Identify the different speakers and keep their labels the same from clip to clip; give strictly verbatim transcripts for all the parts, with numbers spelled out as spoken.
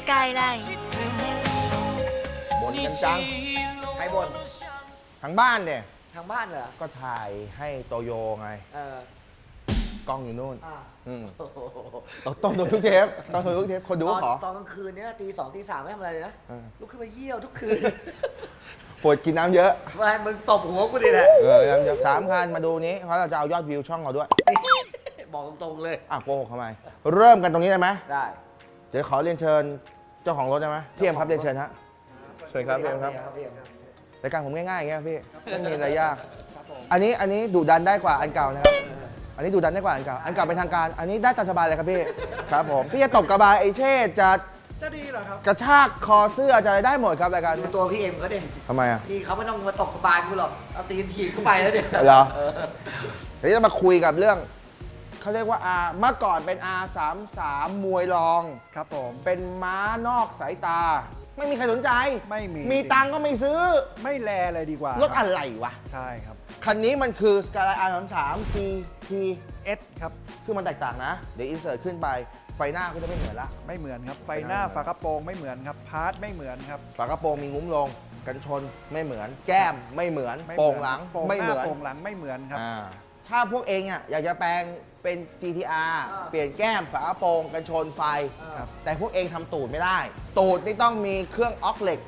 Speaker 1: Skyline
Speaker 2: บ่นกันจัง
Speaker 3: ใครบ่น
Speaker 2: ทั้งบ้านเนี่ย
Speaker 3: ทางบ้านเหรอ
Speaker 2: ก็ถ่ายให้โตโยไง
Speaker 3: เออก
Speaker 2: ล้องอยู่นู่น
Speaker 3: อ่า
Speaker 2: อืม
Speaker 3: โอ้โห
Speaker 2: ต้องต้องดูทุกเทปต้องดูทุกเทปคนดู
Speaker 3: ต
Speaker 2: ก็
Speaker 3: อน
Speaker 2: ขอ
Speaker 3: ตอนกลางคืนเนี้ยตีสองตีสามไม่ทำอะไรเลยนะ
Speaker 2: เออ
Speaker 3: ลุกขึ้นมาเยี่ยวทุกคืน
Speaker 2: ปวดกินน้ำเยอะ
Speaker 3: ไม่มึงตบหัวกูดิแหละ
Speaker 2: เออน้ำเยอะสามคันมาดูนี้เพราะเราจะเอายอดวิวช่องเราด้วย
Speaker 3: บอกตรงๆเลย
Speaker 2: อ่ะโกหกทำไม เริ่มกันตรงนี้ได้ไหม
Speaker 3: ได้
Speaker 2: เดี๋ยวขอเรียนเชิญเจ้าของรถได้ไหมพี่เอ็มครับเรียนเชิญฮะเชิญครับพี่เอ็มครับ
Speaker 3: พี่เอ็มครับ
Speaker 2: รายการผมง่ายๆอย่างเงี้ยพี่ไม่มีอะไรยาก อันนี้อันนี้ดุดันได้กว่าอันเก่านะครับ อันนี้ดุดันได้กว่าอันเก่า อันเก่าเป็นทางการ อันนี้ได้ตามสบายเลยครับพี่ ครับผม พี่จะตบกระบาลไอเช่จะ
Speaker 3: จะดีเหรอครับ
Speaker 2: กระชากคอเสื้อจะอะไรได้หมดครับรายการ
Speaker 3: ดู
Speaker 2: นี้
Speaker 3: ตัวพี่เอ็มเขาดิ
Speaker 2: ทำไมอ่ะ
Speaker 3: พี่เขาไม่ต้องมาตกกระบาลกูหรอกเอาตีนถีบเข้าไปแล้วเนี่ย
Speaker 2: เหรอ
Speaker 3: เออ
Speaker 2: เดี๋ยวจะมาคุยกับเรื่องเขาเรียกว่า R เมื่อก่อนเป็น อาร์ สามสิบสาม มวยรอง
Speaker 4: ครับผม
Speaker 2: เป็นม้านอกสายตา ไม่มีใครสนใจ
Speaker 4: ไม่มี
Speaker 2: มีตังค์ก็ไม่ซื้อ
Speaker 4: ไม่แลเลยดีกว่าร
Speaker 2: ถอะไรวะ
Speaker 4: ใช่ครับ
Speaker 2: คันนี้มันคือ Skyline อาร์ สามสิบสาม ที ที
Speaker 4: เอสครับ
Speaker 2: ซึ่งมันแตกต่างนะ เดี๋ยวอินเสิร์ตขึ้นไป ไฟหน้าก็จะไม่เหมือนละ
Speaker 4: ไม่เหมือนครับ ไฟหน้าฝากระโปรงไม่เหมือนครับ พาร์ทไม่เหมือนครับ
Speaker 2: ฝากระโปรงมีงุ้มลง กันชนไม่เหมือน แก้มไม่เหมือน
Speaker 4: ไม่
Speaker 2: โป่งหลัง
Speaker 4: โป่ง
Speaker 2: ไม่
Speaker 4: ห
Speaker 2: เห
Speaker 4: น้า
Speaker 2: มือน
Speaker 4: โป่งหลังไม่เหมือนครับ
Speaker 2: อ่าถ้าพวกเองอ่ะอยากจะแปลงเป็น จี ที อาร์ เปลี่ยนแก้มฝากระโปรงกันชนไฟ
Speaker 4: ครับ
Speaker 2: แต่พวกเองทำตูดไม่ได้ ตูดนี่ต้องมีเครื่องออกเหล็ก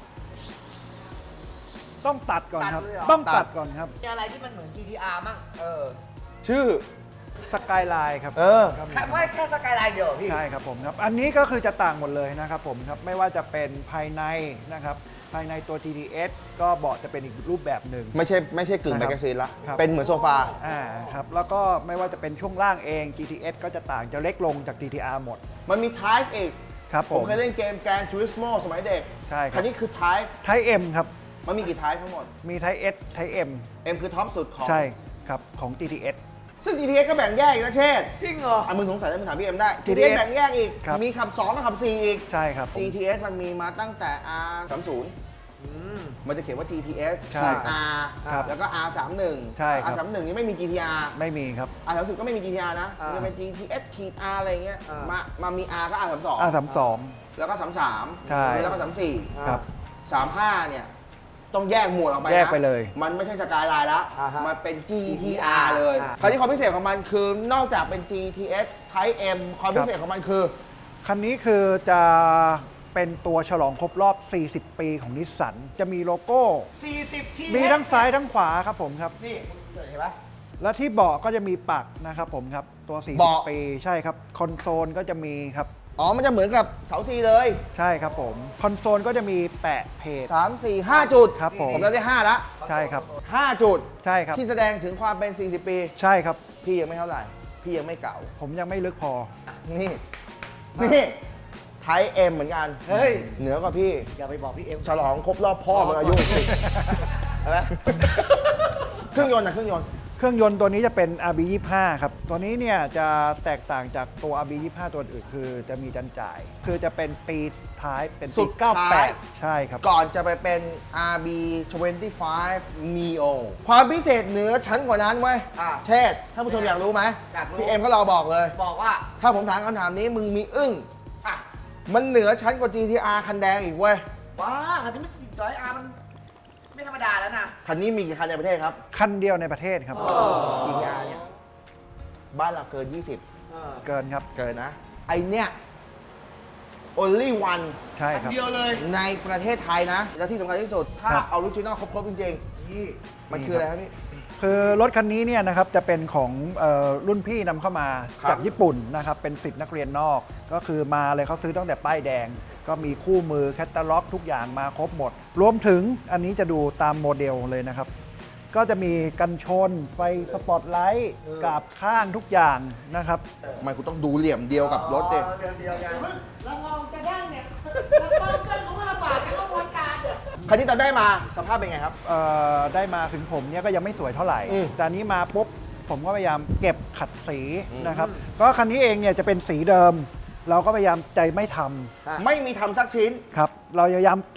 Speaker 4: ต้องตัดก่อนครับ
Speaker 3: ตัดเลยเหรอ
Speaker 4: ต้อง
Speaker 2: ตั
Speaker 4: ตั
Speaker 2: ด
Speaker 4: ดก่อนครับ
Speaker 3: มีอะไรที่มันเหมือน จี ที อาร์ มั่งเออ
Speaker 2: ชื่อ
Speaker 4: สกายไลน์ครับ
Speaker 2: เออ
Speaker 4: ครับ
Speaker 3: แค่ไม่แค่สกายไลน์เดียวเหรอพี่
Speaker 4: ใช่ครับผมครับ อันนี้ก็คือจะต่างหมดเลยนะครับผมครับ ไม่ว่าจะเป็นภายในนะครับ ภายในตัว จี ที เอส ก็เบาะจะเป็นอีกรูปแบบหนึ่ง
Speaker 2: ไม่ใช่ไม่ใช่กึ่ง
Speaker 4: นะ
Speaker 2: แม
Speaker 4: ครับ
Speaker 2: กกาซีนละ
Speaker 4: ครับ
Speaker 2: เป็นเหมือนโซฟา
Speaker 4: อ่าครับ แล้วก็ไม่ว่าจะเป็นช่วงล่างเอง จี ที เอส ก็จะต่างจะเล็กลงจาก จี ที อาร์ หมด
Speaker 2: มันมี Type อีก
Speaker 4: ครับ
Speaker 2: ผ
Speaker 4: ผม ม
Speaker 2: เคยเล่นเกม Gran Turismo สมัยเด็ก
Speaker 4: ใช่ครับ
Speaker 2: คันนี้คือ Type
Speaker 4: ไทเอ็มครับ
Speaker 2: มันมีกี่ Type ทั้งหมด
Speaker 4: มีไทเอสไทเอ็ม
Speaker 2: M คือท็อปสุดของ
Speaker 4: ใช่ครับ ของ จี ที เอส
Speaker 2: ซึ่ง จี ที เอส ก็แบ่งแยกอีกนะเชษฐ์
Speaker 3: จริงเหรอ
Speaker 2: อ่ะมึงสงสัยแล้วมึงถามพี่เอ็มได้ จี
Speaker 4: จี
Speaker 2: ที
Speaker 4: ที
Speaker 2: เอ
Speaker 4: เอส
Speaker 2: ส แบ่งแยกอีก
Speaker 4: ครับ
Speaker 2: มีขับ สองกับขับ สี่ อีก
Speaker 4: ใช่ครับผม
Speaker 2: จี ที เอส มันมีมาตั้งแต่ อาร์ สามสิบ
Speaker 3: อืม
Speaker 2: มันจะเขียนว่า จี ที เอส
Speaker 4: ใช่
Speaker 2: R
Speaker 4: ครับ
Speaker 2: แล้วก็ อาร์ สามสิบเอ็ด
Speaker 4: ใช่ครับ
Speaker 2: อาร์ สามสิบเอ็ด นี่ไม่มี จี ที อาร์
Speaker 4: ไม่มีครับ
Speaker 2: อาร์ สามสิบ ก็ไม่มี จี ที อาร์ นะ
Speaker 3: อ่ามั
Speaker 2: มันจะเป็น จี ที เอส ขีด R อะไรเงี้ย
Speaker 3: อ่าม
Speaker 2: มามามี R ก็ อาร์ สามสิบสอง
Speaker 4: อาสามสอง
Speaker 2: แล้วก็ สามสิบสาม
Speaker 4: ใช่
Speaker 2: แล้วก็ สามสิบสี่
Speaker 4: ครับ
Speaker 2: สามสิบห้า เนี่ย ต้องแยกหมวดออกไปนะ
Speaker 4: แยกไปเลย
Speaker 2: มันไม่ใช่สกายไลน์แล้ว
Speaker 3: อ่าฮะ
Speaker 2: มันเป็น จี ที อาร์ เลย
Speaker 3: อ่า
Speaker 2: คราวนี้ความพิเศษของมันคือนอกจากเป็น จี ที เอส Type M ความพิเศษของมันคือ
Speaker 4: คันนี้คือจะเป็นตัวฉลองครบรอบ สี่สิบ ปีของนิสสัน จะมีโลโก้
Speaker 3: สี่สิบ ที
Speaker 4: มีทั้งซ้ายทั้งขวาครับผมครับ
Speaker 3: นี่คุณเห็นปะ
Speaker 4: และที่เบาะก็จะมีปักนะครับผมครับ ตัว สี่สิบ
Speaker 2: เบาะ
Speaker 4: ปี ใช่ครับ คอนโซลก็จะมีครับ
Speaker 2: อ๋อ มันจะเหมือนกับเสาซีเลย
Speaker 4: ใช่ครับผม คอนโซลก็จะมีแปะเพจ
Speaker 2: สาม สี่ ห้า จุด
Speaker 4: ครับผม
Speaker 2: ผมได้ห้าละ
Speaker 4: ใช่ครับ
Speaker 2: ห้าจุด
Speaker 4: ใช่ครับ
Speaker 2: ที่แสดงถึงความเป็น สี่สิบ ปี
Speaker 4: ใช่ครับ
Speaker 2: พี่ยังไม่เท่าไหร่ พี่ยังไม่เก่า
Speaker 4: ผมยังไม่ลึกพอ
Speaker 2: นี่ นี่ไทยเอ็มเหมือนกัน
Speaker 3: เฮ้ย
Speaker 2: เหนือกว่าพี่
Speaker 3: อย่าไปบอกพี่เอ็ม
Speaker 2: ฉลองครบรอบพ่อมึงอายุสิเห็นไหมเครื่องยนต์นะเครื่องยนต์
Speaker 4: เครื่องยนต์ตัวนี้จะเป็น อาร์ บี ยี่สิบห้า ครับ ตัวนี้เนี่ยจะแตกต่างจากตัว อาร์ บี ยี่สิบห้า ตัวอื่นคือจะมีจันจ่าย คือจะเป็นปีท้ายเป็น
Speaker 2: สุ
Speaker 4: ปี
Speaker 2: ด
Speaker 4: เก้า
Speaker 2: ท้า
Speaker 4: แป
Speaker 2: ย
Speaker 4: ด ใช่ครับ
Speaker 2: ก่อนจะไปเป็น อาร์ บี ยี่สิบห้า Neo ความพิเศษเหนือชั้นกว่านั้นเว้ย
Speaker 3: อ่า
Speaker 2: เชษฐ์ท่านผู้ชมอยากรู้ไหม
Speaker 3: อยากรู้
Speaker 2: พี่เอ็มก็รอบอกเลย
Speaker 3: บอกว่า
Speaker 2: ถ้าผมถามคำถามนี้มึงมีอึ้ง
Speaker 3: อ่ะ
Speaker 2: มันเหนือชั้นกว่า จี ที อาร์ คันแดงอีกเว้ย
Speaker 3: ว้าอันนี้มันสี่ร้อยอาร์มันไม่ธรรมดาแล้วนะ
Speaker 2: คันนี้มีกี่คันในประเทศครับ
Speaker 4: คันเดียวในประเทศครับ
Speaker 2: จี ที อาร์ เนี่ย บ้านเราเกิน ยี่สิบ
Speaker 4: เกินครับ
Speaker 2: เกินนะ ไอเนี่ย only one
Speaker 4: ใช่ครับ
Speaker 3: เดียวเลย
Speaker 2: ในประเทศไทยนะ แล้วที่สำคัญที่สุด ถ้า
Speaker 4: ครับ
Speaker 2: ออริจินอลครบๆจริง
Speaker 3: นี่
Speaker 2: ๆ มันคืออะไรครับพี่
Speaker 4: คือรถคันนี้เนี่ยนะครับจะเป็นของเออรุ่นพี่นำเข้ามา
Speaker 2: ครับ
Speaker 4: จากญี่ปุ่นนะครับเป็นสิทธิ์นักเรียนนอก ก็คือมาเลยเขาซื้อตั้งแต่ป้ายแดง ก็มีคู่มือแคตตาล็อกทุกอย่างมาครบหมด รวมถึงอันนี้จะดูตามโมเดลเลยนะครับ ก็จะมีกันชน ไฟสปอตไลท์กาบข้างทุกอย่างนะครับ
Speaker 2: มันกูต้องดูเหลี่ยมเดียวกับรถเด็
Speaker 3: อ๋อเดียวเดียวกัน
Speaker 5: แล้วลองจะได้เนี่ยลองเกินของลำบากจะกระบวนการเดี๋ยว
Speaker 2: คันที่ตอนได้มาสภาพเป็นไงครับ
Speaker 4: เอ่อได้มาถึงผมเนี่ยก็ยังไม่สวยเท่าไหร่
Speaker 2: อืม
Speaker 4: แต่อันนี้มาปุ๊บผมก็พยายามเก็บขัดสี
Speaker 2: อืม
Speaker 4: นะครับ ก็คันนี้เองเนี่ยจะเป็นสีเดิม เราก็พยายามใจไม่ทำ
Speaker 2: ไม่มีทำสักชิ้น
Speaker 4: ครับ เราพยายามเก็บข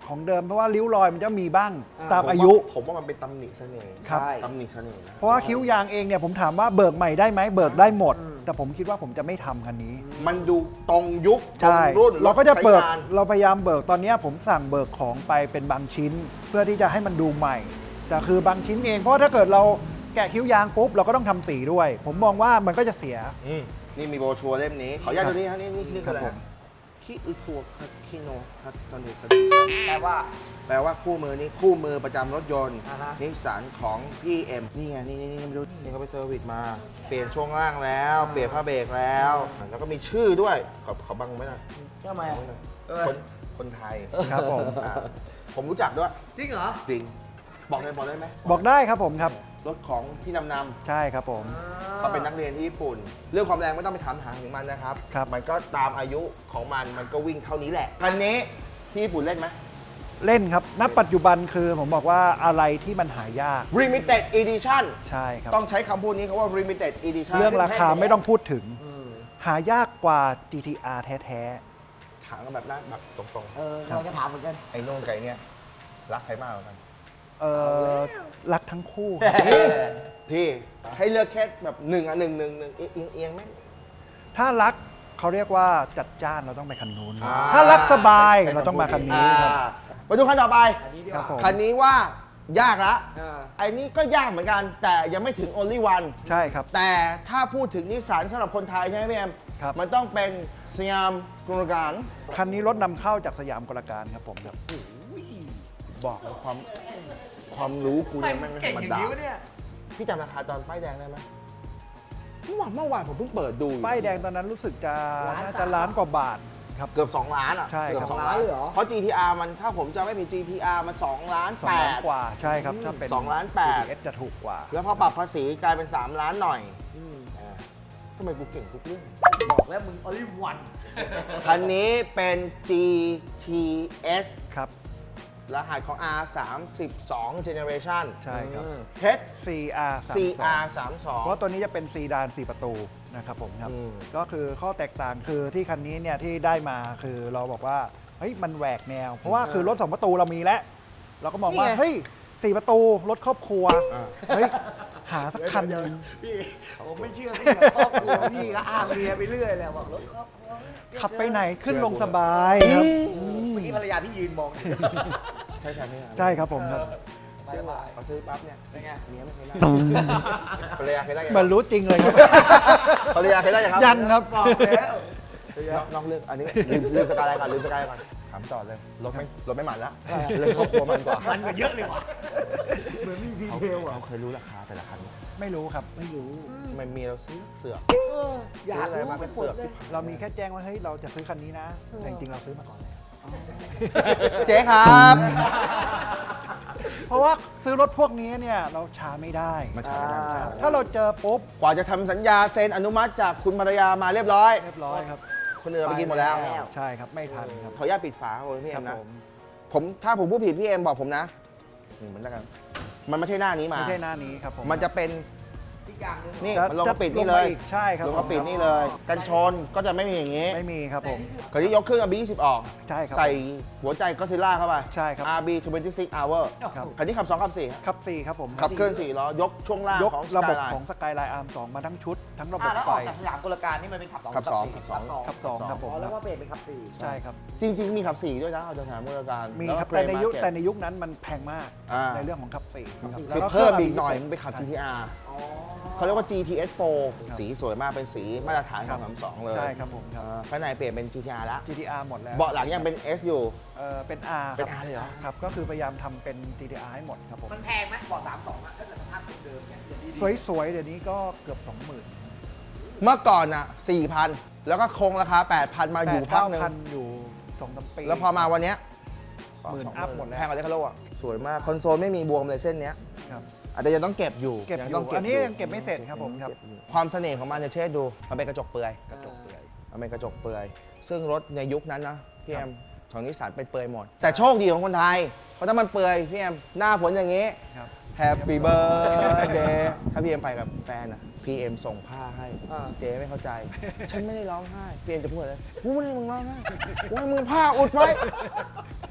Speaker 4: ของเดิมเพราะว่าริ้วรอยมันจะมีบ้าง
Speaker 3: อ่า
Speaker 4: ตามอายุ
Speaker 2: ผมว่ามันเป็นตำหนิเสน่ห์
Speaker 4: ครับ
Speaker 3: ใช่
Speaker 2: ตำหนิเสน่ห์นะ
Speaker 4: เพราะว่าคิ้วยางเองเนี่ยผมถามว่าเบิกใหม่ได้ไหมเบิกได้หมด แต่ผมคิดว่าผมจะไม่ทำคันนี้
Speaker 2: มันดูตรงยุคตร
Speaker 4: ใช่
Speaker 2: งรุ่น
Speaker 4: เราก็จะเบิก
Speaker 2: ใช้งาน
Speaker 4: เราพยายามเบิกตอนเนี้ยผมสั่งเบิกของไปเป็นบางชิ้น เพื่อที่จะให้มันดูใหม่ แต่คือบางชิ้นเองเพราะว่าถ้าเกิดเราแกะคิ้วยางปุ๊บเราก็ต้องทำสีด้วย ผมมองว่ามันก็จะเสีย
Speaker 2: อืมนี่มีโบรชัวร์เล่มนี้ ขออนุญาตดูนี่ฮะนี่นี่นี่คืออะไร
Speaker 4: ครับผม
Speaker 2: คิอุคัวคิโนคัตตอนเด็ก
Speaker 3: แปลว่า
Speaker 2: แปลว่าคู่มือนี้คู่มือประจำรถยนต์
Speaker 3: อ่าฮะ
Speaker 2: นิสสันของพี่เอ็มนี่ไงนี่นี่นี่ไม่รู้นี่เขาไปเซอร์วิสมา เปลี่ยนช่วงล่างแล้ว เปลี่ยนผ้าเบรกแล้ว แล้วก็มีชื่อด้วยขอขอบังไว้หน่อย
Speaker 3: ทำไมอ่ะ
Speaker 2: บังไว้หน่อย
Speaker 3: เออ
Speaker 2: คนคนไทย
Speaker 4: ครับผม
Speaker 2: อ่าผมรู้จักด้วย
Speaker 3: จริงเหรอ
Speaker 2: จริง บอกได้บอกได้ไหม
Speaker 4: บอกได้ครับผมครับ
Speaker 2: รถของพี่นำนำ
Speaker 4: ใช่ครับผม
Speaker 2: เขาเป็นนักเรียนที่ญี่ปุ่น เรื่องความแรงไม่ต้องไปถามหาถึงมันนะครับ
Speaker 4: ครับ
Speaker 2: มันก็ตามอายุของมันมันก็วิ่งเท่านี้แหละคันนี้ที่ญี่ปุ่นเล่นไหม
Speaker 4: เล่นครับณปัจจุบันคือผมบอกว่าอะไรที่มันหายาก
Speaker 2: Limited Edition
Speaker 4: ใช่ครับ
Speaker 2: ต้องใช้คำพูดนี้เขาว่า Limited Edition
Speaker 4: เรื่องราคาไม่ต้องพูดถึง
Speaker 3: อืม
Speaker 4: หายากกว่า จี ที อาร์ แท้
Speaker 2: ถามกันแบบนั้นแบบตรง
Speaker 3: เออเราจะถามเหมือนกัน
Speaker 2: ๆ ไอ้โน่นไก่เนี่ยรักใครมากกว่ากัน
Speaker 4: ๆเอ่อรักทั้งคู่
Speaker 2: พี่ให้เลือกแค่แบบหนึ่งอ่ะหนึ่งหนึ่งหนึ่งเอียงเอียงไหม
Speaker 4: ถ้ารักเขาเรียกว่าจัดจ้านเราต้องไปคันนู้น
Speaker 2: อ่า
Speaker 4: ถ้ารักสบาย
Speaker 2: ใช้
Speaker 4: เราต้องมาคันนี้ครับ
Speaker 2: อ่ามาดูคันต่อไป
Speaker 3: อันนี้ดี
Speaker 4: ค
Speaker 3: ก
Speaker 4: รับ
Speaker 3: ว่า
Speaker 4: ผม
Speaker 2: คันนี้ว่ายากละ
Speaker 3: อ่า
Speaker 2: ไอ้นี้ก็ยากเหมือนกัน แต่ยังไม่ถึง only one
Speaker 4: ใช่ครับ
Speaker 2: แต่ถ้าพูดถึงนิสสันสำหรับคนไทยใช่ไหมพี่แอม
Speaker 4: ครับ
Speaker 2: มันต้องเป็นสยามกุลการ
Speaker 4: คันนี้รถนำเข้าจากสยามกลการครับผมครับ
Speaker 2: บอกเลยความความรู้กู
Speaker 3: ทำไม
Speaker 2: เนี่ย
Speaker 3: มั
Speaker 2: แม่
Speaker 3: น
Speaker 2: งไม่
Speaker 3: เก่ง
Speaker 2: ธรรมดา
Speaker 3: อย่างนี้วะเนี่ย
Speaker 2: พี่จำราคาตอนป้ายแดงได้ไหมเมื่อวานเมื่อวานผมเพิ่งเปิดดูอยู่
Speaker 4: ป้ายแดงตอนนั้นรู้สึกจะ
Speaker 3: ล้าน
Speaker 4: น่า
Speaker 3: สาม
Speaker 4: จะล้านกว่าบาทครับ
Speaker 2: เกือบ สอง ล้านอ่ะ
Speaker 4: ใช่ครับ
Speaker 2: เกือบสอง
Speaker 3: ล้า
Speaker 2: ล้าน น
Speaker 3: เลยเหรอ
Speaker 2: เพราะ จี ที อาร์ มันถ้าผมจำไม่ผิด จี ที อาร์ มัน สอง ล้าน
Speaker 4: สอง
Speaker 2: แป
Speaker 4: ล้าน
Speaker 2: ด
Speaker 4: กว่าใช่ครับ ถ้าเป็น
Speaker 2: สองล้านแปด
Speaker 4: จี ที เอส จะถูกกว่า
Speaker 2: แล้วพอปรับภาษีกลายเป็น สาม ล้านหน่อย
Speaker 3: อืม
Speaker 2: อ่าทำไมกูเก่งทุกเรื่อง
Speaker 3: บอกแล้วมึง only one
Speaker 2: คันนี้เป็น จี ที เอส
Speaker 4: ครับ
Speaker 2: รหัสของ อาร์ สามสิบสอง generation
Speaker 4: ใช่ครับ
Speaker 2: เพชร
Speaker 4: ซี อาร์
Speaker 2: ซี อาร์ สามสอง
Speaker 4: เพราะตัวนี้จะเป็นซีดานสี่ประตูนะครับผมครับ
Speaker 2: อืม
Speaker 4: ก็คือข้อแตกต่างคือที่คันนี้เนี่ยที่ได้มาคือเราบอกว่าเฮ้ยมันแหวกแนว เพราะว่าคือรถสองประตูเรามีแล้ว เราก็มองว่าเฮ้ยสี่ประตูรถครอบครัว
Speaker 2: อ่า
Speaker 4: เฮ้ยหาสักคันหนึ่ง
Speaker 3: พี่ผมไม่เชื่อพี่กับครอบครัวพี่ก็อ้างเมียไปเรื่อยแหละบอกรถครอบครัว
Speaker 4: ขับไปไหนขึ้นลงสบายครับ
Speaker 3: เมื่อกี้ภรรยาพี่ยืนมอง
Speaker 2: ใช่ใช่ไหม
Speaker 4: ใช่ครับผมครับ
Speaker 3: บายบาย
Speaker 2: พอซื้อปั๊บเนี่ย
Speaker 3: เป็นไง
Speaker 2: เมียไม่เคยได้ภรรยาเคยได้ยัง
Speaker 4: มันรู้จริงเลยครับ
Speaker 2: ภรรยาเคยได้ยังครับ
Speaker 4: ยังครับ
Speaker 3: บอกแล้ว
Speaker 2: นอกนอกเรื่องอันนี้ลืมลืมสกายไลน์ก่อนลืมสกายไลน์ก่อนถามต่อเลยรถไม่รถไม่หมันแล้วเรื่องครอบครัวมันกว่า
Speaker 3: มันก็เยอะเลยว่ะเหมือนมีดี
Speaker 2: เขา
Speaker 3: เทลอ่ะ
Speaker 2: เขาเคยรู้ราคาแต่ละคันไหม
Speaker 4: ไม่รู้ครับ
Speaker 3: ไม่รู้
Speaker 2: ทำไมเมียเราซื้อเสือก
Speaker 3: เอออยาก
Speaker 2: ซื้ออะไร
Speaker 3: รู้
Speaker 2: มา
Speaker 3: ไป
Speaker 2: เป็น
Speaker 3: หม
Speaker 2: เสื
Speaker 3: ด
Speaker 2: อก
Speaker 3: เลย
Speaker 2: ที่
Speaker 4: เรามีแค่แจ้งว่าเฮ้ยเราจะซื้อคันนี้นะ แต่จริงๆเราซื้อมาก่อนแล้ว
Speaker 2: เจ๊ครับ
Speaker 4: เพราะว่าซื้อรถพวกนี้เนี่ยเราช้าไม่ได้
Speaker 2: มาช้าไม่ได้มาช้า
Speaker 4: ถ้าเราเจอปุ๊บ
Speaker 2: กว่าจะทำสัญญาเซ็นอนุมัติจากคุณภรรยามาเรียบร้อย
Speaker 4: เรียบร้อยครับ
Speaker 2: คนอื่นเอาไปกินหมดแล้ว
Speaker 4: ใช่ครับไม่ทันครับ
Speaker 2: ขออนุญาตปิดฝาโอ้ยพี่
Speaker 4: ค
Speaker 2: เอ็
Speaker 4: รับ
Speaker 2: มนะ
Speaker 4: ผม
Speaker 2: ผมถ้าผมพูดผิดพี่เอ็มบอกผมนะอืมมันแล้วกันมันไม่ใช่หน้านี้มา
Speaker 4: ไม่ใช่หน้านี้ครับผม
Speaker 2: มันจะเป็น
Speaker 3: อีกอย่างหนึง
Speaker 2: นี่
Speaker 4: จะ
Speaker 2: มันลงกระปิด
Speaker 4: จะ
Speaker 2: นี่เลย
Speaker 4: งมาอีกใช่ครับ
Speaker 2: ลงกระปิด
Speaker 4: ผม
Speaker 2: นี่เลย กันชนก็จะไม่มีอย่างงี้
Speaker 4: ไม่มีครับผม
Speaker 2: คราวนี้ยกเครื่อง อาร์ บี ยี่สิบออก
Speaker 4: ใช่ครับ
Speaker 2: ใส่หัวใจก็ซิล่าเข้าไป
Speaker 4: ใช่ครับ
Speaker 2: อาร์ บี ยี่สิบหก hour
Speaker 4: ครับ
Speaker 2: คันนี้ขับสองขับสี่
Speaker 4: ขับสี่ครับผม
Speaker 2: ขับเคลื่อนสี่ล้อยกช่วงล่าง
Speaker 4: ยก
Speaker 2: ของ
Speaker 4: ระบบ
Speaker 2: Skyline
Speaker 4: ของสกายไลน์อาร์มสองมาทั้งชุด ทั้งระบ
Speaker 3: อ่ะ
Speaker 4: บ
Speaker 3: แล้ว
Speaker 4: ไฟ
Speaker 3: ออกจากสยามกลการนี่มันเป็นขับสอง
Speaker 2: ขับสอง
Speaker 3: ขับ
Speaker 2: ขับสอง
Speaker 4: ขับสองครับผม
Speaker 3: อ๋อแล้วว่าเปลี่ยนเป็นขับสี่
Speaker 4: ใช่ครับ
Speaker 2: จริง ๆ มีขับสี่ด้วยนะเอาจากสถานบริการ
Speaker 4: มี
Speaker 2: ล้ว
Speaker 4: ครับ
Speaker 2: ก็
Speaker 4: แต่ในยุค
Speaker 2: Play Market
Speaker 4: แต่ในยุคนั้นมันแพงมาก
Speaker 2: อ่า
Speaker 4: ในเรื่องของขับสี่ครับ
Speaker 2: คือ
Speaker 4: แล้วก็
Speaker 2: เพิ่ม
Speaker 4: ครื่
Speaker 2: อี
Speaker 4: ง
Speaker 2: กหน่อย
Speaker 4: อาร์
Speaker 2: มึงไปขับ
Speaker 4: ใช่
Speaker 2: จี ที อาร์
Speaker 3: อ๋อ
Speaker 2: เขาเรียกว่า จี ที เอส โฟร์
Speaker 4: ครับ
Speaker 2: สีสวยมากเป็นสีมาตรฐาน
Speaker 4: ค
Speaker 2: ข
Speaker 4: รั
Speaker 2: อบ งสามสองเลย
Speaker 4: ใช่ครับผมครับ
Speaker 2: อ่าข้างในเปลี่ยนเป็น จี ที อาร์ แล้ว
Speaker 4: จี ที อาร์ หมดแล้ว
Speaker 2: เบาะหลังยังเป็น S อยู่
Speaker 4: เออเป็น R
Speaker 2: เป็น
Speaker 4: ครับ
Speaker 2: R เลยเหรอ
Speaker 4: ครับ ก็คือพยายามทำเป็น จี ที อาร์ ให้หมดครับผม
Speaker 3: มันแพงไหมบอกสามสองอ่ะถ้าเกิดสภาพเดิมๆเนี่ยอย่างดีๆ
Speaker 4: สวยๆ เดี๋ยวนี้ก็เกือบ สองหมื่น
Speaker 2: เมื่อก่อนอ่ะ สี่พัน แล้วก็คงราคา แปดพัน มาอยู่พักหนึ่ง
Speaker 4: พันอยู่สองสามปี
Speaker 2: แล้วพอมาวันเนี้ย
Speaker 4: หมื่น
Speaker 2: สง
Speaker 4: อัพหมดแล้ว
Speaker 2: แพงกว่าเลคาโลอ่ะ สวยมาก คอนโซลไม่มีบวมเลยเส้นเนี้ย
Speaker 4: ครับ
Speaker 2: อาจจะยังต้องเก็บอยู่
Speaker 4: เก็บ
Speaker 2: ยั
Speaker 4: อยู่
Speaker 2: ต้องเก็บ
Speaker 4: อันนี้
Speaker 2: ยู่
Speaker 4: ยังเก็บไม่เสร็จครับผมครับ
Speaker 2: เก็อยู่ความเสน่ห์ของมันเนี่ยเชษดู มันเป็นกระจกเปลือย
Speaker 4: กระจกเปลือย
Speaker 2: มันเป็นกระจกเปลือย ซึ่งรถในยุคนั้นนะพี่แอมของนิสสันเป็นเปลือยหมด แต่โชคดีของคนไทย เพราะถ้ามันเปลือยพี่แอมหน้าฝนอย่างนี้
Speaker 4: ครับ
Speaker 2: Happy birthday ถ้าพี่เอ็มไปกับแฟนอะพี่เอ็มส่งผ้าให้
Speaker 3: อ่า
Speaker 2: เจ๊ไม่เข้าใจ ฉันไม่ได้ร้องไห้ พี่เอ็มจะพูดเลยกูไม่ได้มึงร้องไห้กูให้มึงผ้าอุดไว้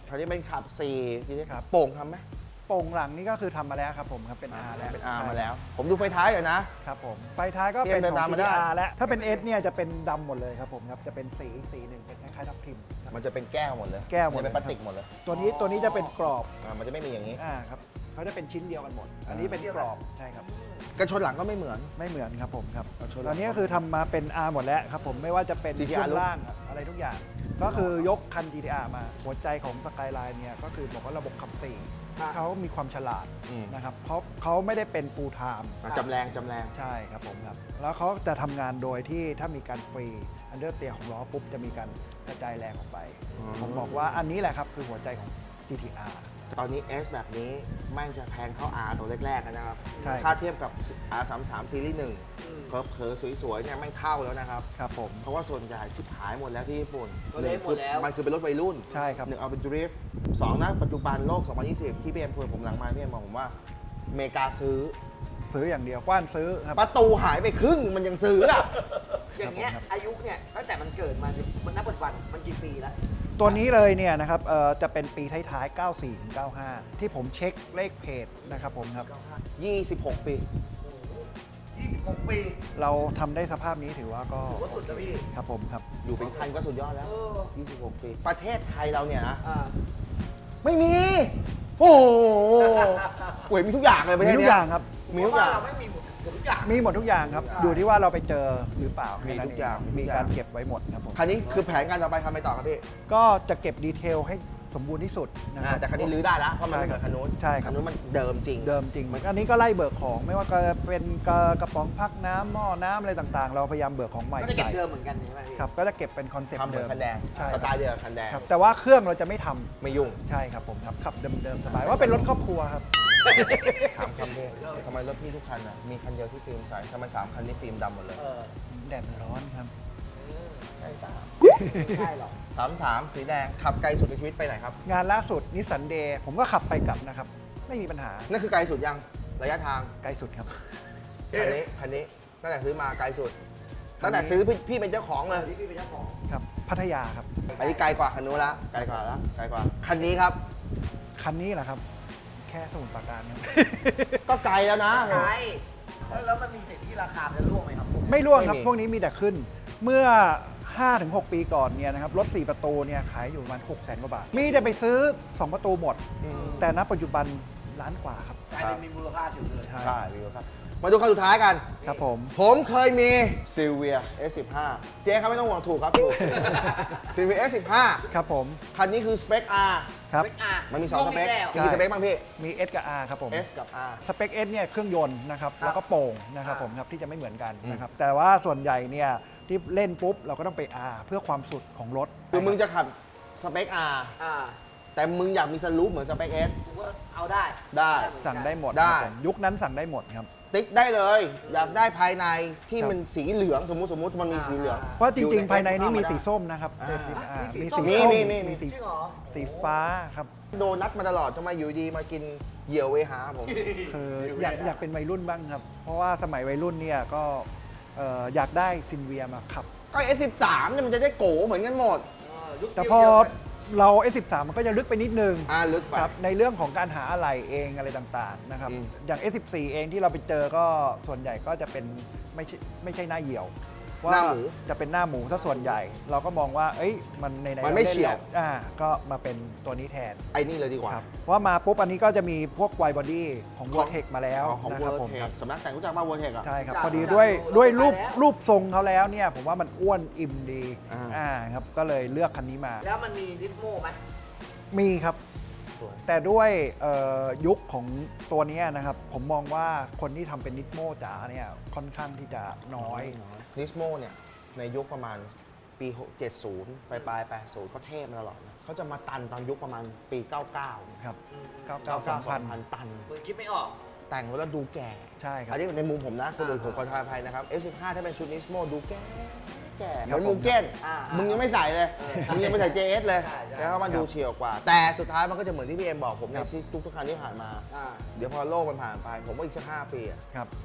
Speaker 2: คราวนี้เป็นขับสี่ทีนี้
Speaker 4: ครับ
Speaker 2: โป่งทำไหม
Speaker 4: โป่งหลังนี่ก็คือทำมาแล้วครับผมครับเป็น R แล้ว
Speaker 2: เป็น R มาแล้ว ผมดูไฟท้ายอยู่นะ
Speaker 4: ครับผมไฟท้ายก็
Speaker 2: เตรียม
Speaker 4: เป็น
Speaker 2: เดิน
Speaker 4: ขอ
Speaker 2: ตาม
Speaker 4: ง
Speaker 2: มา
Speaker 4: จี
Speaker 2: ได้
Speaker 4: ทีอาร์ แล้วถ้าเป็น S เนี่ยจะเป็นดำหมดเลยครับผมครับจะเป็นสีสีหนึ่งเป็นคล้ายๆทับทิมครับ
Speaker 2: มันจะเป็นแก้วหมดเลย
Speaker 4: แก้วหมด
Speaker 2: นจะเป็น
Speaker 4: เลย
Speaker 2: พลาสติกหมดเลย
Speaker 4: ตัวนี้ตัวนี้จะเป็นกรอบ
Speaker 2: อ่ามันจะไม่มีอย่างนี้
Speaker 4: อ่าครับเขาจะเป็นชิ้นเดียวกันหมด อันนี้เป็นกรอบใช่ครับ
Speaker 2: กระชนหลังก็ไม่เหมือน
Speaker 4: ไม่เหมือนครับผมครับ
Speaker 2: เอาชน
Speaker 4: ตอนนี้ก็คือทำมาเป็น R หมดแล้วครับผมไม่ว่าจะเป็น
Speaker 2: จี ที
Speaker 4: ช่
Speaker 2: อาร์
Speaker 4: วงล่างอะไรทุกอย่าง ก็คือยกคัน จี ที อาร์ มาหัวใจของสกายไลน์เนี่ยก็คือบอกว่าระบบขับสี่
Speaker 3: ครับ
Speaker 4: เขามีความฉลาด
Speaker 2: อืม
Speaker 4: นะครับเพราะเขาไม่ได้เป็น full time
Speaker 2: อ่ะจำแรงจำแรง
Speaker 4: ใช่ครับผมครับ แล้วเขาจะทำงานโดยที่ถ้ามีการฟรีอันเดอร์เตียของล้อปุ๊บ จะมีการกระจายแรงออกไป
Speaker 2: อืม
Speaker 4: ผมบอกว่าอันนี้แหละครับ คือหัวใจของ จี ที อาร์
Speaker 2: ตอนนี้ S แบบนี้แม่งจะแพงเท่า R ตัวแรกๆนะครับ
Speaker 4: ใช่
Speaker 2: ถ้าเทียบกับ อาร์ สามสิบสาม ซีรีส์หนึ่งเผลอๆสวยๆเนี่ยแม่งเท่าแล้วนะครับ
Speaker 4: ครับผม
Speaker 2: เพราะว่าส่วนใหญ่ชิบหายหมดแล้วที่ญี่ปุ่น
Speaker 3: ตัวเล็กหมดแล้ว
Speaker 2: มันคือเป็นรถวัยรุ่น
Speaker 4: ใช่ครับ
Speaker 2: หนึ่งเอาเป็นดริฟต์สองนะปัจจุบันโลก สองพันยี่สิบ ที่พี่เอ็มพูดผมหลังไมาพี่เอ็มบอกผมว่าอเมริกาซื้อ
Speaker 4: ซื้ออย่างเดียวกว้านซื้อครับ
Speaker 2: ประตูหายไปครึ่งมันยังซื้ออ่ะ
Speaker 3: อย่างเงี้ย
Speaker 4: ครับผมครับ
Speaker 3: อายุเนี่ยตั้งแต่มันเกิดมามันนับปัจจุบันมันกี่ปีแล้ว
Speaker 4: ตัวนี้เลยเนี่ยนะครับเอ่อจะเป็นปีท้ายๆ เก้าสี่ถึงเก้าห้า ที่ผมเช็คเลขเพจนะครับผมครับ
Speaker 2: ยี่สิบหก ปี
Speaker 3: ยี่สิบหกปี
Speaker 4: เราทำได้สภาพนี้ถือว่าก็
Speaker 3: ถือว่าสุดนะพี่
Speaker 4: ครับผมครับ
Speaker 2: อยู่เป็นคันก็สุดยอดแล้ว
Speaker 3: เออ
Speaker 2: ยี่สิบหก ปี ประเทศไทยเราเนี่ยนะ
Speaker 3: อ่า
Speaker 2: ไม่มี โอ้โหโอ้ยมีทุกอย่างเลยประเท
Speaker 4: มี
Speaker 2: ศ
Speaker 4: ทุก
Speaker 2: เนี้
Speaker 4: อย ย่างครับ
Speaker 2: มีทุกอย่าง
Speaker 3: เพระว่เราไม่มีหมดเกือบทุกอย่าง
Speaker 4: มีหมดทุกอย่างครับ อยู่ที่ว่าเราไปเจอหรือเปล่า
Speaker 2: มี
Speaker 4: แค่นั้น
Speaker 2: ทุกอย่าง
Speaker 4: เมี
Speaker 2: มีทุกอย่าง
Speaker 4: การเก็บไว้หมดครับผม
Speaker 2: คันนี้คือแผนการต่อไปทำไปต่อครับพี่
Speaker 4: ก็จะเก็บดีเทลให้สมบูรณ์ที่สุดนะค
Speaker 2: อ่า
Speaker 4: รับ
Speaker 2: แต่คันนี้รื้อได้แล้วเพราะมันไม่เหมือนคันนู้น
Speaker 4: ใช่ครับ
Speaker 2: คันนู้นมันเดิมจริง
Speaker 4: เดิมจริงอันนี้ก็ไล่เบิกของไม่ว่าจะเป็นกระกระป๋องพักน้ำหม้อน้ำอะไรต่างๆ เราพยายามเบิกของใหม่
Speaker 3: ก็จะเก็บ
Speaker 4: ใส่
Speaker 3: เดิมเหมือนกันใช่ไหมพี่
Speaker 4: ครับก็จะเก็บเป็นคอนเซ็ป
Speaker 2: ทำ
Speaker 4: ต์
Speaker 2: เหมื
Speaker 4: เดิ
Speaker 2: อน
Speaker 4: ม
Speaker 2: คันแดง
Speaker 4: ใช่
Speaker 2: สไตล์เดียวกับคันแดง
Speaker 4: ครับแต่ว่าเครื่องเราจะไม่ทำ
Speaker 2: ไม่ยุ่ง
Speaker 4: ใช่ครับผมครับขับเดิมๆสบายว่าเป็นรถครอบครัวครับ
Speaker 2: ถามคำเดียวทำไมรถพี่ทุกคันอ่ะมีคันเดียวที่ฟิล์มใสทำไมสามคันนี้ฟิล์มดำหมดเลย
Speaker 3: เออ
Speaker 4: แดดมันร้อนครับ
Speaker 2: ใช่สาม
Speaker 3: ไม่ใช่หรอก
Speaker 2: สามสามสีแดงขับไกลสุดในชีวิตไปไหนครับ
Speaker 4: งานล่าสุดนิสสันเดย์ผมก็ขับไปกลับนะครับ ไม่มีปัญหา
Speaker 2: นั่นคือไกลสุดยังระยะทาง
Speaker 4: ไกลสุดครับ
Speaker 2: คันนี้คันนี้ตั้งแต่ซื้อมาไกลสุดตั้งแต่ซื้อพี่พี่เป็นเจ้าของเลย
Speaker 3: ที่พี่เป็นเจ้าของ
Speaker 4: ครับ พัทยาครับ
Speaker 2: อันนี้ไกลกว่าคันนู้นละไกลกว่าละไกลกว่าคันนี้ครับ
Speaker 4: คันนี้แหละครับ แค่สมุทรปราการครับ
Speaker 2: ก็ไกลแล้วนะ
Speaker 3: ใช่แล้วมันมีสิทธิ์ที่ราคามันจะร่วงไหมครับผม
Speaker 4: ไม่ร่วงครับ
Speaker 2: ไม่มี
Speaker 4: พวกนี้มีแต่ขึ้น เมื่อ ห้าถึงหก ปีก่อนเนี่ยนะครับรถ สี่ ประตูเนี่ยขายอยู่ประมาณหกแสนกว่าบาท มีแต่ไปซื้อ สอง ประตูหมด
Speaker 2: อืม
Speaker 4: แต่ณปัจจุบันล้านกว่าครับ
Speaker 3: กลายเป็นมีมูลค่าเฉยเลย
Speaker 4: ใช่
Speaker 2: ใช่วิวครับ มาดูคันสุดท้ายกัน
Speaker 4: ครับผม
Speaker 2: ผมเคยมี Silvia เอส สิบห้า เจ๊ครับไม่ต้องห่วงถูกครับถูก Silvia เอส สิบห้า
Speaker 4: ครับผม
Speaker 2: คันนี้คือสเปค R
Speaker 4: ครับ
Speaker 3: เปคอาร์
Speaker 2: มันมีสองสเปค
Speaker 3: แล้ว
Speaker 2: มีกี่สเปคบ้างพี่
Speaker 4: มี S กับ R ครับผม
Speaker 2: S กับ R
Speaker 4: สเปค S เนี่ยเครื่องยนต์นะครับแล้วก็โป่งนะครับผมครับที่จะไม่เหมือนกัน
Speaker 2: อืม
Speaker 4: นะครับแต่ว่าส่วนใหญ่เนี่ยที่เล่นปุ๊บเราก็ต้องไป R เพื่อความสุดของรถ
Speaker 2: คือมึงจะขับสเปค R
Speaker 3: อ่า
Speaker 2: แต่มึงอยากมีสลูปเหมือนสเปค S
Speaker 3: กูก็เอาได้
Speaker 2: ได้
Speaker 4: สั่งได้หมด
Speaker 2: ได้
Speaker 4: ครับผมยุคนั้นสั่งได้หมดครับ
Speaker 2: ติ๊กได้เลย อยากได้ภายในที่
Speaker 4: ครับ
Speaker 2: มันสีเหลืองสมมุติสมมุติมันมีสีเหลือง
Speaker 4: เพราะจริงๆ ภายในนี้มีสี
Speaker 2: ส้ม
Speaker 4: ส้มนะครับ
Speaker 2: อ่า
Speaker 4: เป็นสีอ่า
Speaker 3: มีสี
Speaker 4: มี
Speaker 3: ส้
Speaker 4: สี
Speaker 3: ม
Speaker 4: ส้ม
Speaker 2: มีมีมี
Speaker 4: มีสี
Speaker 3: จริงเหรอ
Speaker 4: สีฟ้าครับ
Speaker 2: โดนนัดมาตลอดทำไมอยู่ดีมากินเหยี่ยวเวหาผม
Speaker 4: คืออยากอยากเป็นวัยรุ่นบ้างครับ เพราะว่าสมัยวัยรุ่นเนี่ยก็เอ่ออยากได้ซินเวียมาขับ
Speaker 2: ก็ เอส สิบสาม เนี่ยมันจะได้โกเหมือนกันหมด
Speaker 3: เออยุค
Speaker 4: แต่
Speaker 3: เดียว
Speaker 4: พอ
Speaker 3: เดียวกัน
Speaker 4: เรา เอส สิบสาม มันก็จะลึกไปนิดนึง
Speaker 2: อ่าลึกไป
Speaker 4: ครับในเรื่องของการหาอะไหล่เองอะไรต่างๆนะครับ
Speaker 2: อืม
Speaker 4: อย่าง เอส สิบสี่ เองที่เราไปเจอก็ส่วนใหญ่ก็จะเป็นไม่ใช่ไม่ใช่หน้าเหี่ยว ว่า
Speaker 2: หน้าหมู
Speaker 4: จะเป็นหน้าหมูซะส่วนใหญ่ เราก็มองว่า เอ้ยมันในไหน
Speaker 2: มันไม่เฉียว
Speaker 4: อ่าก็มาเป็นตัวนี้แทน
Speaker 2: ไอ้นี่เลยดีกว่า
Speaker 4: ครับว่ามาปุ๊บอันนี้ก็จะมีพวกไวบอดี้ของ
Speaker 2: ของ
Speaker 4: วอร์เทคมาแล้ว
Speaker 2: ของ
Speaker 4: นะ
Speaker 2: เว
Speaker 4: ค
Speaker 2: อ
Speaker 4: รับ
Speaker 2: ร์
Speaker 4: ผม
Speaker 2: เท
Speaker 4: ครั
Speaker 2: ค
Speaker 4: บ
Speaker 2: สำนักแต่งรู้จักป่ะเวอร์เทคอ่ะ
Speaker 4: ใช่ครับ
Speaker 3: จาก
Speaker 4: พอดี
Speaker 3: จาก
Speaker 4: ด้วย
Speaker 3: ดู
Speaker 4: ด้วยรูป
Speaker 3: แล้ว
Speaker 4: รูปทรงเขาแล้วเนี่ยผมว่ามันอ้วนอิ่มดี
Speaker 2: อ่า
Speaker 4: อ่าครับก็เลยเลือกคันนี้มา
Speaker 3: แล้วมันมีดิสโมไหม
Speaker 4: มีครับ
Speaker 2: สวย
Speaker 4: แต่ด้วยเอ่อยุคของตัวเนี้ยนะครับ ผมมองว่าคนที่ทำเป็นนิสโมจ๋าเนี่ยค่อนข้างที่จะน้อย
Speaker 2: นิสโมเนี่ยในยุคประมาณปีเจ็ดสิบปลายปลายแปดสิบเขาเทพมาตลอดนะเขาจะมาตันตอนยุคประมาณปีเก้าเก้าเนี่ย
Speaker 4: ครับ
Speaker 3: อืม
Speaker 4: เก้า
Speaker 2: เก้า
Speaker 4: เก้า
Speaker 2: เก้า
Speaker 4: ส
Speaker 2: ส
Speaker 4: อ
Speaker 2: อง ง
Speaker 4: พั
Speaker 2: พั
Speaker 4: น
Speaker 2: นตัน
Speaker 3: มึงคิดไม่ออก
Speaker 2: แต่งแล้วดูแก่
Speaker 4: ใช่ครับ
Speaker 2: อันนี้ในมุมผมนะคนอื่นผมขอทายภัยนะครับ เอส สิบห้า ถ้าเป็นชุดนิสโมดูแก่แก่เหมือนมูเก้น
Speaker 3: อ่า
Speaker 2: มึงยังไม่ใส่เลย
Speaker 3: เออ
Speaker 2: มึงยังไม่ใส่ เจ เอส เลย
Speaker 3: ใช่ใช่
Speaker 2: แล้วมันดูเฉียวกว่า แต่สุดท้ายมันก็จะเหมือนที่พี่เอ็มบอกผมในที่ทุกๆครั้งที่ผ่านมา
Speaker 3: อ่า
Speaker 2: เดี๋ยวพอโลกมันผ่านไป ผมว่าอีกสักห้าปีอะ
Speaker 4: ครับ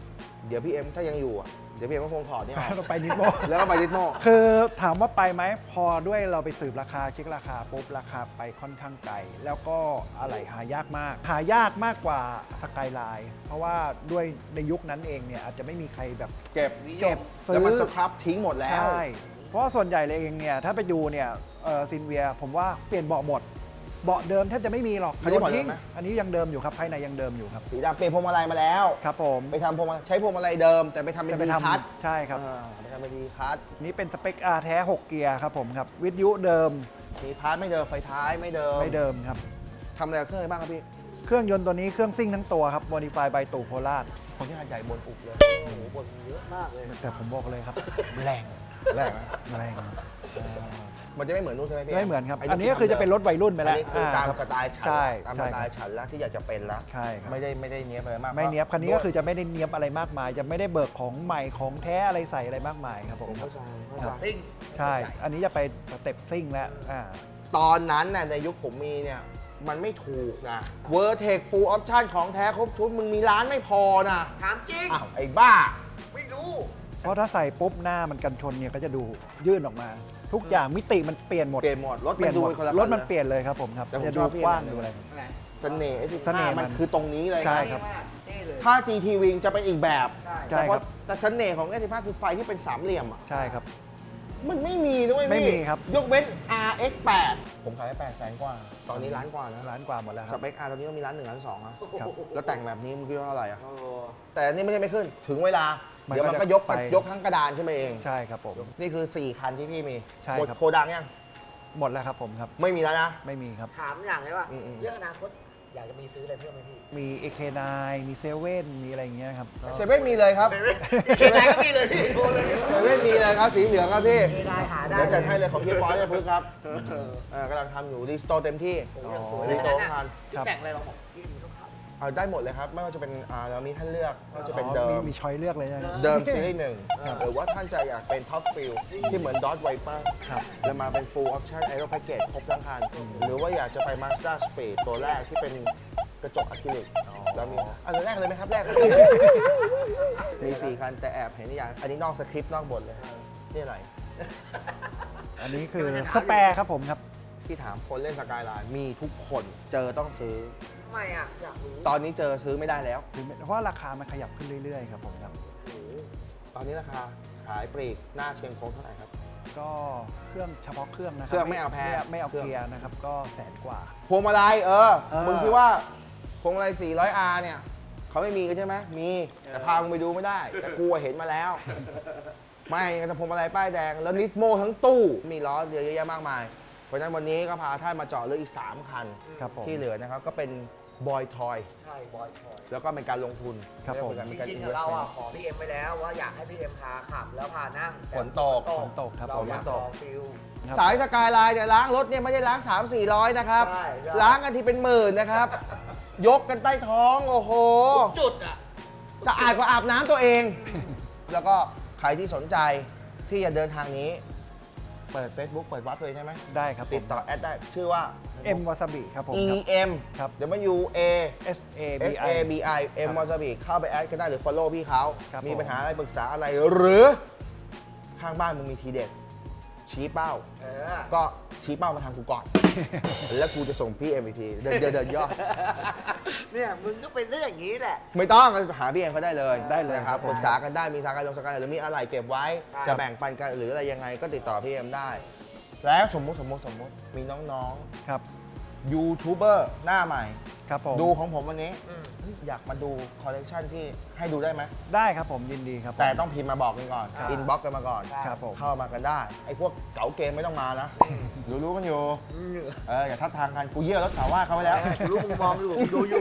Speaker 2: เดี๋ยวพี่เอ็มถ้ายังอยู่อะเดี๋ยวพี่เอ็มก็คงถอดนี่ออก
Speaker 4: เราไปนิดโม
Speaker 2: แล้วก็ไปดิสโม
Speaker 4: คือถามว่าไปไหมพอด้วยเราไปสืบราคาเช็คราคาปุ๊บราคาไปค่อนข้างไกล แล้วก็อะไรหายากมาก หายากมากกว่าสกายไลน์เพราะว่าด้วยในยุคนั้นเองเนี่ยอาจจะไม่มีใครแบบ
Speaker 2: เก็บ
Speaker 4: เก็บซื้
Speaker 2: แล้ว
Speaker 4: อ
Speaker 2: มันสครับทิ้งหมดแล้ว
Speaker 4: ใช่เพราะว่าส่วนใหญ่เลยเองเนี่ยถ้าไปดูเนี่ยซินเวียผมว่าเปลี่ยนเบาะหมดเบาะเดิมแทบจะไม่มีหรอก
Speaker 2: อันนี้
Speaker 4: โย
Speaker 2: เบาะเดิ
Speaker 4: ทิ้
Speaker 2: ม
Speaker 4: ง
Speaker 2: ไหม
Speaker 4: อันนี้ยังเดิมอยู่ครับภายในยังเดิมอยู่ครับ
Speaker 2: สีดำเปลี่ยนพวงมาลัยมาแล้ว
Speaker 4: ครับผม
Speaker 2: ไปทำพวงมาใช้พวงมาลัยเดิม แต่ไปทำเป็น
Speaker 4: จะไป
Speaker 2: ดี
Speaker 4: ท
Speaker 2: คัท
Speaker 4: ำใช่ครับ
Speaker 2: อ่าไปทำเป็นดีคัท
Speaker 4: นี่เป็นสเปค R แท้ หก เกียร์ครับผมครับ วิทยุเดิม
Speaker 2: มีพาร์ทไม่เดิมไฟท้ายไม่เดิม
Speaker 4: ไม่เดิมครับ
Speaker 2: ทำอะไรกับเครื่องอะไรบ้างครับพี่
Speaker 4: เครื่องยนต์ตัวนี้เครื่องซิ่งทั้งตัวครับ Modify by ตู่โคราช
Speaker 2: คนที่หัดใหญ่บนอุบเลย
Speaker 3: โอ้โหบ่นเยอะมากเลย
Speaker 4: แต่ผมบอกเลยครับ แรง
Speaker 2: แรงไหม
Speaker 4: แรง
Speaker 2: มันจะไม่เหมือนนู่นใช่ไหมพี่
Speaker 4: ไม่เหมือนครับ
Speaker 2: ไ
Speaker 4: อันนี้ก็คือจะเป็นรถวัยรุ่นไป
Speaker 2: อัน
Speaker 4: แล้ว
Speaker 2: นี้คือตาม
Speaker 4: ครับ
Speaker 2: สไตล์ฉัน
Speaker 4: ใช่
Speaker 2: ตามส
Speaker 4: ใช่
Speaker 2: ไต
Speaker 4: ครับ
Speaker 2: ล์ฉันแล้วที่อยากจะเป็นแล้ว
Speaker 4: ใช่ครับ
Speaker 2: ไม่ได้ไม่ได้เนี้ยบอะไรมาก
Speaker 4: ไม่เนี้ยบคันนี้ก็คือจะไม่ได้เนี้ยบอะไรมากมาย จะไม่ได้เบิกของใหม่ของแท้อะไรใส่อะไรมากมายครับผ
Speaker 2: ผม ม
Speaker 4: ครั
Speaker 2: เข้า
Speaker 4: บ
Speaker 2: ใจเข้าใจ
Speaker 3: ซิ่ง
Speaker 4: ใช่ อันนี้จะไปสเต็ปซิ่งแล้วอ่า
Speaker 2: ตอนนั้นน่ะในยุคผมมีเนี่ย มันไม่ถูกนะเวอร์เทคฟูลออปชั่นของแท้ครบชุดมึงมีร้านไม่พอนะ
Speaker 3: ถามจริง
Speaker 2: อ้าวไอ้บ้า
Speaker 3: ไม่รู้
Speaker 4: เพราะถ้าใส่ปุ๊บหน้ามันกันชนเนี่ยก็จะดูยื่นออกมา ทุกอย่างมิติมันเปลี่ยนหมด
Speaker 2: เปลี่ยนหมดรถ
Speaker 4: เปลี่
Speaker 2: มั
Speaker 4: ยน
Speaker 2: นดู
Speaker 4: หมด
Speaker 2: เป็นคนละ
Speaker 4: รถมัน
Speaker 2: คั
Speaker 4: เปลี่ยนเลยครับผมครับ
Speaker 2: แต่ผม
Speaker 4: จะ
Speaker 2: ช
Speaker 4: ดู
Speaker 2: อบพี่
Speaker 4: กว้าง
Speaker 2: นะ
Speaker 4: ดูอะไร
Speaker 3: อะไร
Speaker 2: เสน่ห์ไอ้สิ
Speaker 4: เสน่ห์
Speaker 2: มัน
Speaker 4: มัน
Speaker 2: คือตรงนี้เลย
Speaker 4: ใช่ครับ
Speaker 3: มากเท่เลย
Speaker 2: ถ้า จี ที Wing จะเป็นอีกแบบ
Speaker 3: ใช่
Speaker 4: ใช่
Speaker 2: แต่เพ
Speaker 4: ครั
Speaker 2: ราะ
Speaker 4: บ
Speaker 2: แต่เสน่ห์ของ เอส สิบห้า คือไฟที่เป็นสามเหลี่ยมอ่ะ
Speaker 4: ใช่ครับ
Speaker 2: มันไม่มีด้วย
Speaker 4: ไม่
Speaker 2: พี่
Speaker 4: มีครับ
Speaker 2: ยกเว้น อาร์ เอ็กซ์ แปด ผมขายไปแปดแสนกว่า ตอนนี้ล้านกว่านะ
Speaker 4: ร้านกว่าหมดแล้วค
Speaker 2: ส
Speaker 4: รับ
Speaker 2: เปค R ตอนนี้ต้องมีล้านหนึ่งล้านสองอะ
Speaker 4: ครับ
Speaker 2: แล้วแต่งแบบนี้มึงคิดว่าเท่าไหร่อะ
Speaker 3: โอ้
Speaker 2: แต่อันนี่ไม่ใช่ไม่ขึ้น ถึงเวลา
Speaker 4: มัน
Speaker 2: เดี๋ยวมัน
Speaker 4: ก็
Speaker 2: ก็
Speaker 4: จะ
Speaker 2: ยก
Speaker 4: ไป
Speaker 2: ยกทั้งกระดานขึ้นมาเอง
Speaker 4: ใช่ครับผม
Speaker 2: นี่คือ สี่ คันที่พี่มี
Speaker 4: ใช่
Speaker 2: หมด
Speaker 4: ครับ
Speaker 2: โคดังยัง
Speaker 4: หมดแล้วครับผมครับ
Speaker 2: ไม่มีแล้วนะ
Speaker 4: ไม่มีครับ
Speaker 3: ถามอย่างเลยว่า
Speaker 2: อืมๆ
Speaker 3: เรื่องอนาคตอยากจะมีซื้ออะไรเพิ่มไหมพี่
Speaker 4: มี เอ เค ไนน์ มีเซเว่นมีอะไรอย่างเงี้ยครับก็
Speaker 2: เซเว่นมีเลยครับ
Speaker 3: เขียนอะไรก็มีเลยพี่โทรเลย
Speaker 2: เซเว่นมีเลยครับ สีเหลืองครับพี่
Speaker 3: เอไลน์หาได้
Speaker 2: เดี๋ยวจัดให้เลยของพี่ฟอยเนี่ยพึ่งครับเออกำลังทำอยู่รีสโตร์เต็มที่
Speaker 3: โอ้โหอย่างสวย
Speaker 2: รี
Speaker 3: เลย
Speaker 2: สโต
Speaker 3: นะ
Speaker 2: ร์ทัน
Speaker 3: พี่แต่งอะไรลองบอกพี่มีต้องขับ
Speaker 2: เอาได้หมดเลยครับ ไม่ว่าจะเป็นอ่าเรามีท่านเลือกไม่ว่าจะเป็น
Speaker 4: อ๋อ
Speaker 2: เดิ
Speaker 4: มี
Speaker 2: ม
Speaker 4: มีช้อยเลือกเลยนะ
Speaker 2: เดิมซีรีส์หนึ่งหรือว่าท่านจะอยากเป็นท็อปฟิลที่เหมือนดอ t ไวเปอร์
Speaker 4: ครับ
Speaker 2: แล้วมาเป็น full option aero package ครบทั้งคัน หรือว่าอยากจะไป Mazda Speed ตัวแรกที่เป็นกระจกอะคริลิกแล้วมีอันแรกเลยไหมครับ แรก มี สี่ คัน แต่แอบเห็นอย่าง อันนี้นอกสคริปต์นอกบทเลย นี่อะไร
Speaker 4: อันนี้คือสแปร์ครับผมครับ
Speaker 2: ที่ถามคนเล่นสกายไลน์มีทุกคนเจอต้องซื้อ
Speaker 3: ทำไมอ่ะอยากรู้
Speaker 2: ตอนนี้เจอซื้อไม่ได้แล้ว
Speaker 4: เพราะว่าราคามันขยับขึ้นเรื่อยๆครับผมครับ
Speaker 2: ตอนนี้ราคาขายปลีกหน้าเชียงคงเท่าไหร่ครับ
Speaker 4: ก็เครื่องเฉพาะเครื่องนะครั
Speaker 2: เครื่องไม่เอาแพง
Speaker 4: ไม่เอา
Speaker 2: เครื่อง
Speaker 4: เกียร์นะครับ ก็แสนกว่า
Speaker 2: พวงมาลัยเออ
Speaker 4: เออ
Speaker 2: มึงคิดว่าพวงมาลัย สี่ร้อยอาร์ เนี่ยเขาไม่มีกันใช่ไหมมี แต่พามึงไปดูไม่ได้ แต่กูอะเห็นมาแล้ว ไม่แต่พวงมาลัยป้ายแดง แล้วนิดโมทั้งตู้ มีล้อเยอะแยะมากมาย เพราะฉะนั้นวันนี้ก็พาท่านมาเจาะเลือกอีก สาม คัน
Speaker 4: ครับผม
Speaker 2: ที่เหลือนะครับ ก็เป็นบอยทอย
Speaker 3: ใช่บอยชอย
Speaker 2: แล้วก็เป็นการลงทุน
Speaker 4: ครับผม
Speaker 2: เยกว่าเป็นการ
Speaker 3: จริ
Speaker 2: อิ
Speaker 3: ง
Speaker 2: น
Speaker 3: ๆ
Speaker 2: เวส
Speaker 3: เรา
Speaker 2: เมน
Speaker 3: อ่ะ
Speaker 2: ต์
Speaker 3: ขอพี่เอ็มไปแล้วว่าอยากให้พี่เอ็มพาขับแล้วพานั่งแต่
Speaker 2: ฝนตก
Speaker 4: ฝนตกครับ
Speaker 3: เราอยาก
Speaker 2: ฝนต
Speaker 3: ล
Speaker 2: ก
Speaker 3: องฟิล
Speaker 4: ครับ
Speaker 2: สายสกายไลน์เนี่ยล้างรถเนี่ยไม่ได้ล้าง สามสี่ร้อย นะครับ
Speaker 3: ใช่ใช่
Speaker 2: ล้างกันทีเป็นหมื่นนะครับ ยกกันใต้ท้อง โอ้โห
Speaker 3: จุดอ่ะ
Speaker 2: สะอาดกว่าอาบน้ำตัวเอง แล้วก็ใครที่สนใจที่จะเดินทางนี้ เปิด Facebook เปิดวัดตัวเองได้ไหม
Speaker 4: ได้ครับ
Speaker 2: ติดต่อแอดได้ ชื่อว่า
Speaker 4: เอ็มวาซาบิครับผม
Speaker 2: E
Speaker 4: ครับ
Speaker 2: M
Speaker 4: ครับ
Speaker 2: W A
Speaker 4: S A B
Speaker 2: S
Speaker 4: I
Speaker 2: A B I M
Speaker 4: ครับ
Speaker 2: วาซาบิเข้าไปแอดกันได้หรือ follow พี่เขา
Speaker 4: ครับ
Speaker 2: มี
Speaker 4: ผม
Speaker 2: ปัญหาอะไรปรึกษาอะไรหรือข้างบ้านมึงมีทีเด็ด ชี้เป้า
Speaker 3: เออ
Speaker 2: ก็ชี้เป้ามาทางกูก่อน แล้วกูจะส่งพี่เอ็มอีกที เดินเดินเดินย่อ
Speaker 3: เนี่ยมึงก็เป็นเรื่องอย่างนี้แหละ
Speaker 2: ไม่ต้องหาพี่เอ็มเขาได้เลย
Speaker 4: ได้เลย
Speaker 2: นะครับ
Speaker 4: ครับ
Speaker 2: ปรึกษากันได้มีสาการลงสกายหรือมีอะไรเก็บไว้
Speaker 3: ครับ
Speaker 2: จะแบ่งปันกันหรืออะไรยังไงก็ติดต่อพี่เอ็มได้ แล้วสมมุติสมมุติสมมุติมีน้อง
Speaker 4: ครับ
Speaker 2: ๆยูทูบเบอร์หน้าใหม่
Speaker 4: ครับผม
Speaker 2: ดูของผมวันนี้
Speaker 3: อืม
Speaker 2: เฮ้ยอยากมาดูคอลเลกชันที่ให้ดูได้ไหม
Speaker 4: ได้ครับผมยินดีครับผม
Speaker 2: แต่ต้องพิมพ์มาบอกกันก่อน
Speaker 4: ครับ
Speaker 2: อินบ็อกกันมาก่อน
Speaker 4: ครับผม
Speaker 2: เข้ามากันได้ ไอ้พวกเก๋าเกมไม่ต้องมานะรู้รู้ๆกันอยู่ เอออย่าทับทางกันกูเยี่ยวรถข่าวว่าเขาไว้แล้ว
Speaker 3: รู้มึงมองอยู่ดูอยู่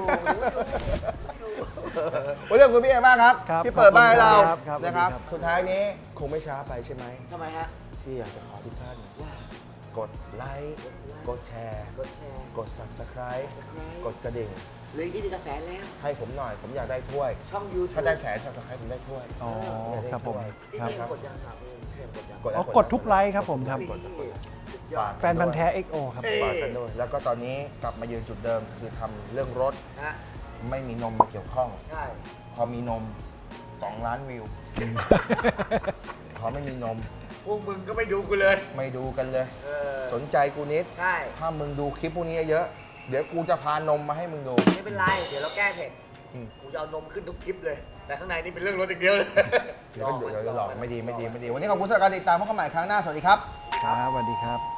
Speaker 2: วันนี้ขอบคุณพี่เอมากครับ
Speaker 4: ครับ
Speaker 2: ที่เปิดบ้านให้เรา
Speaker 4: ครับครับ
Speaker 2: นะครับ
Speaker 4: สวัสดีครับ
Speaker 2: สุดท้ายนี้คงไม่ช้าไปใช่ไหม
Speaker 3: ทำไมฮะ
Speaker 2: ที่อยากจะขอทุกท่าน
Speaker 3: ว่าก
Speaker 2: ดไลค์กดแชร์
Speaker 3: กดแชร์
Speaker 2: กด Subscribe
Speaker 3: สไคร
Speaker 2: กดกระดิ่ง
Speaker 3: เลยที่ดีกระแสแล้ว
Speaker 2: ให้ผมหน่อย ผมอยากได้ถ้วย
Speaker 3: ช่องยูทูบ
Speaker 2: ถ้าได้แสน Subscribe ผมได้ถ้วย
Speaker 4: อ๋อครับผม
Speaker 3: พี่
Speaker 4: ครับ
Speaker 3: เอ็มกดยังครับพี่เอ็มกดยัง
Speaker 2: กด
Speaker 4: อ๋อกดทุกไลค์ครับผมครับ
Speaker 2: กดกดกด
Speaker 3: สุดยอด
Speaker 4: แฟนพันธ์แท้ เอ็กซ์ โอ ครับ
Speaker 2: ฝากกันด้วยแล้วก็ตอนนี้กลับมายืนจุดเดิมคือทำเรื่องรถ
Speaker 3: นะ
Speaker 2: ไม่มีนมมาเกี่ยวข้อง
Speaker 3: ใช่
Speaker 2: พอมีนมสองล้านวิว เขาไม่มีนม
Speaker 3: พวกมึงก็ไม่ดูกูเลย
Speaker 2: ไม่ดูกันเลย
Speaker 3: เออ
Speaker 2: สนใจกูนิด
Speaker 3: ใช่
Speaker 2: ถ้ามึงดูคลิปพวกนี้เยอะ เดี๋ยวกูจะพานมมาให้มึงดู
Speaker 3: ไม่เป็นไร เดี๋ยวเราแก้เผ็ด
Speaker 2: อืม
Speaker 3: กูจะเอานมขึ้นทุกคลิปเลย แต่ข้างในนี่เป็นเรื่องรถอย่างเดียวเลย
Speaker 2: เดี๋ยวเดี๋ยวเดี๋ยวหลอกไม่ดีไม่ดีไม่ดี วันนี้ขอบคุณสำหรับการติดตามพบกันใหม่ครั้งหน้า สวัสดีครับ
Speaker 4: ครับสวัสดีครับ